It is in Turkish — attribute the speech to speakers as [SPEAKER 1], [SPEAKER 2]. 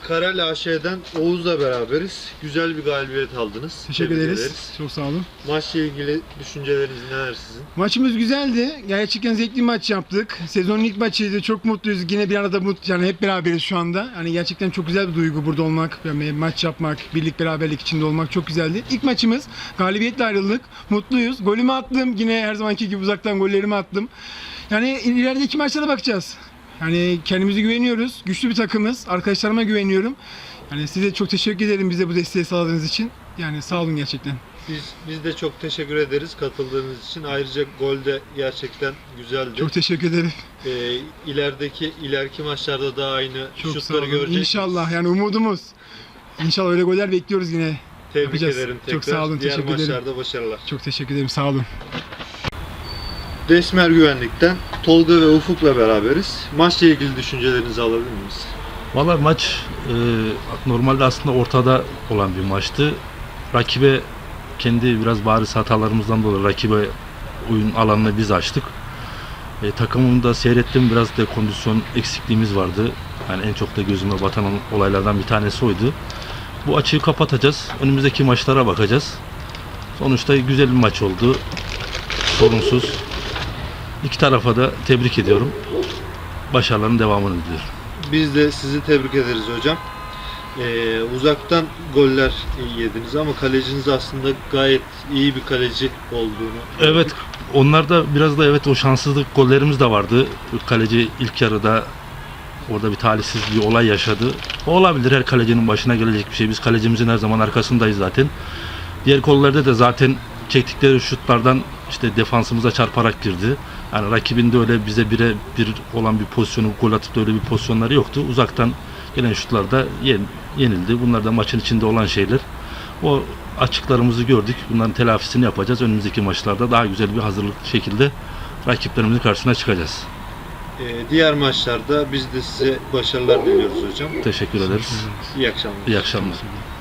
[SPEAKER 1] Karel AŞ'den Oğuz'la beraberiz. Güzel bir galibiyet aldınız.
[SPEAKER 2] Teşekkür
[SPEAKER 1] Tebrik
[SPEAKER 2] ederiz. Çok sağ olun.
[SPEAKER 1] Maçla ilgili düşünceleriniz neler sizin?
[SPEAKER 2] Maçımız güzeldi. Gerçekten zevkli maç yaptık. Sezonun ilk maçıydı. Çok mutluyuz. Yine bir arada yani hep beraberiz şu anda. Hani gerçekten çok güzel bir duygu burada olmak, yani maç yapmak, birlik beraberlik içinde olmak çok güzeldi. İlk maçımız galibiyetle ayrıldık. Mutluyuz. Golümü attım. Yine her zamanki gibi uzaktan gollerimi attım. Yani ilerideki maçlara bakacağız. Yani kendimize güveniyoruz. Güçlü bir takımız. Arkadaşlarıma güveniyorum. Yani size çok teşekkür ederim bize bu desteği sağladığınız için. Yani sağ olun gerçekten.
[SPEAKER 1] Biz de çok teşekkür ederiz katıldığınız için. Ayrıca gol de gerçekten güzeldi.
[SPEAKER 2] Çok teşekkür ederim.
[SPEAKER 1] İleriki maçlarda da aynı
[SPEAKER 2] Çok sağ
[SPEAKER 1] şutları
[SPEAKER 2] olun.
[SPEAKER 1] göreceğiz.
[SPEAKER 2] İnşallah yani umudumuz. İnşallah öyle goller bekliyoruz yine.
[SPEAKER 1] Tebrik
[SPEAKER 2] Yapacağız.
[SPEAKER 1] ederim tekrar.
[SPEAKER 2] Çok sağ olun.
[SPEAKER 1] Diğer
[SPEAKER 2] Teşekkür ederim.
[SPEAKER 1] maçlarda başarılar.
[SPEAKER 2] Çok teşekkür ederim. Sağ olun.
[SPEAKER 1] Desmer Güvenlik'ten Tolga ve Ufuk'la beraberiz. Maçla ilgili düşüncelerinizi alabilir miyiz?
[SPEAKER 3] Valla maç normalde aslında ortada olan bir maçtı. Rakibe kendi biraz bariz hatalarımızdan dolayı rakibe oyun alanını biz açtık. Takımımı da seyrettim, biraz da kondisyon eksikliğimiz vardı. Yani en çok da gözüme batan olaylardan bir tanesi oydu. Bu açığı kapatacağız. Önümüzdeki maçlara bakacağız. Sonuçta güzel bir maç oldu. Sorunsuz. İki tarafa da tebrik ediyorum. Başarıların devamını diliyorum.
[SPEAKER 1] Biz de sizi tebrik ederiz hocam. Uzaktan goller yediniz ama kaleciniz aslında gayet iyi bir kaleci olduğunu.
[SPEAKER 3] Evet, onlar da biraz da evet o şanssızlık gollerimiz de vardı. Kaleci ilk yarıda orada bir talihsiz bir olay yaşadı. O olabilir, her kalecinin başına gelecek bir şey. Biz kalecimizin her zaman arkasındayız zaten. Diğer gollerde de zaten çektikleri şutlardan işte defansımıza çarparak girdi. Yani rakibinde öyle bize bire bir olan bir pozisyonu gol atıp da öyle bir pozisyonları yoktu. Uzaktan gelen şutlarda yenildi. Bunlar da maçın içinde olan şeyler. O açıklarımızı gördük. Bunların telafisini yapacağız. Önümüzdeki maçlarda daha güzel bir hazırlık şekilde rakiplerimizin karşısına çıkacağız.
[SPEAKER 1] Diğer maçlarda biz de size başarılar diliyoruz hocam.
[SPEAKER 3] Teşekkür ederiz.
[SPEAKER 1] İyi akşamlar.
[SPEAKER 3] İyi akşamlar.